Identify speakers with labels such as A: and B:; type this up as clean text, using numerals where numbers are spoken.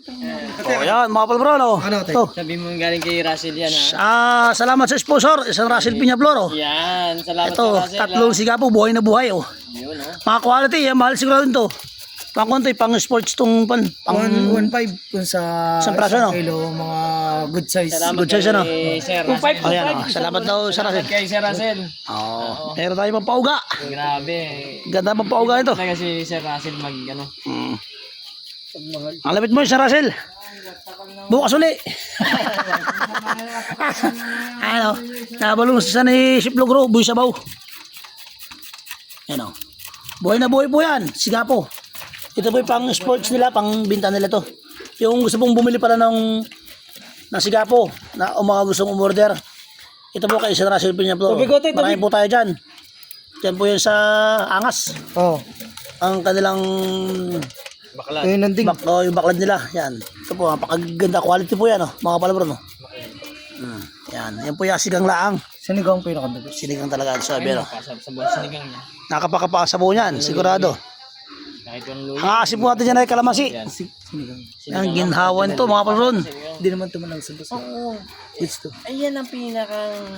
A: Oh, yan, mga palabro, no?
B: Ano, te?
A: Ito.
C: Sabi mo galing kay Russell yan, ha?
A: Salamat sa sponsor, isang Russell Piñaflor, oh.
C: Yan, salamat
A: Ito,
C: sa Russell.
A: tatlong sigapo, buhay na buhay, oh.
C: Yun, ha?
A: Mga quality, mahal siguro ito. Pang konti, pang sports tong pang
B: 1.5 kung sa
A: Isang praso, no?
B: kilo, mga good size.
C: Salamat
A: Good choice, ano?
C: kay Sir
B: 2.5,
C: Russell.
A: Oh, yan, oh. Salamat daw sa
C: Salamat
A: Russell.
C: kay Sir Russell.
A: Oh, meron tayo pang pauga.
C: Grabe.
A: Ganda pang pauga ito.
C: Talaga si Sir Russell mag, ano.
A: Ang lapit mo, Sir Russell. Bukas uli. Ano, nabalong sa ni Siplogro, buhay sabaw. Yan, oh. Buhay na buhay po yan, sigapo. Ito po yung pang sports nila, pang binta nila to. Yung gusto pong bumili pala ng sigapo, na mga gustong umorder. Ito po kay Sir Russell Piñaflor.
C: Tubigote,
A: Marami po tayo dyan. Dyan po yan sa Angas.
B: Oh,
A: Ang kanilang
C: Bakla.
B: yun landing.
A: yung baklad nila. Yan. Ito po, napakaganda quality po yan, oh, mga palabro, no? Yan. Yan po yung sigang laang.
B: Sinigang po yung nakadabi.
A: Sinigang talaga sa bero.
C: Pasab sa buwan sinigang niya.
A: Nakapakapasabaw niyan, sigurado.
C: Kahit yung lulo.
A: Ang aasip po natin dyan ay kalamansi.
C: Yan.
B: Sinigang.
A: Ang ginhawan to, mga palabron.
B: Hindi naman tumalang sa basa.
C: Oo.
B: It's to.
C: Ayan ang pinakang